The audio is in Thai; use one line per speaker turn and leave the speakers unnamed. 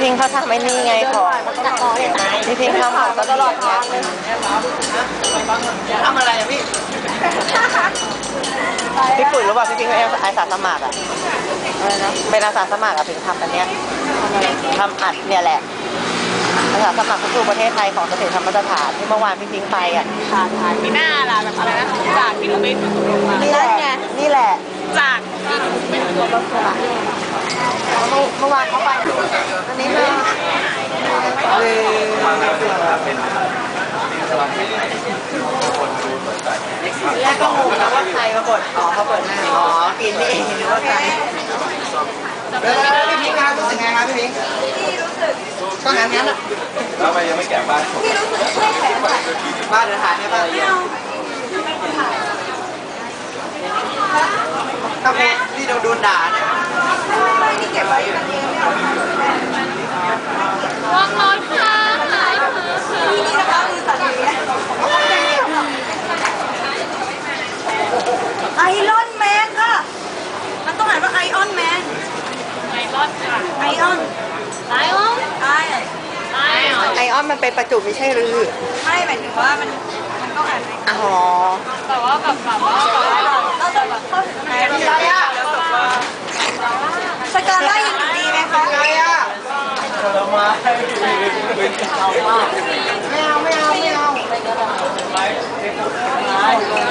พิงเขาทำไอ้นี่ไงของพี่พิงทำของตลอดทางเลย
ทำอะไรอะพี่
ปุ๋ยรู้ป่ะพี่พิงเป็นอาสาสมัครอะอะไรนะเป็นอาสาสมัครอะพิงทำอันเนี้ยทำอัดเนี่ยแหละอาสาสมัครทุกประเทศไทยของเกษตรธรรมสถานที่เมื่อวานพี่พิงไปอะ
มีหน้าล่ะแบบอะไรนะจากที่หนูไปฝึกอบรมมา
นี่แหละนี่แหละ
จากที่หนูไปฝึกอบรมมา
เมื่อวานเขาไปอันนี้เลยแรกก็งงนะว่าใครมาบดอ๋อเขาเปิดหน้าอ๋อกินนี่เองหรือว่าใครพี่พิงค์ครับรู้สึกไงครับพี่พิงค์ก็งั้นอ่ะ
แล้วทำไมยังไม่แกะบ้านพี่รู้สึกไม่แข็ง
บ้านเดินถ่ายได้ป่ะถ้าพูดนี่โดนด่าเนี่ยนี่เก็บไว้กันเอง
วางร้อยค่ะ
นี่นะคะคือสัตว์เลี้ยงไอรอนแมนค่ะมันต้องอ่านว่าไอออนแมน
ไอรอนค่ะ
ไอออน
ไอออน
ไอออนมันเป็นประจุไม่ใช่หรือ
ไม่หมายถึงว่ามันต้องอ่าน
อ๋อ
แต่ว่าแบบว่าเราจะแบบเข้าถึง
อะไรอ่ะ
สกาล่ายังอยู่ดีไหมคะ
อะไรอ่ะไม่เอา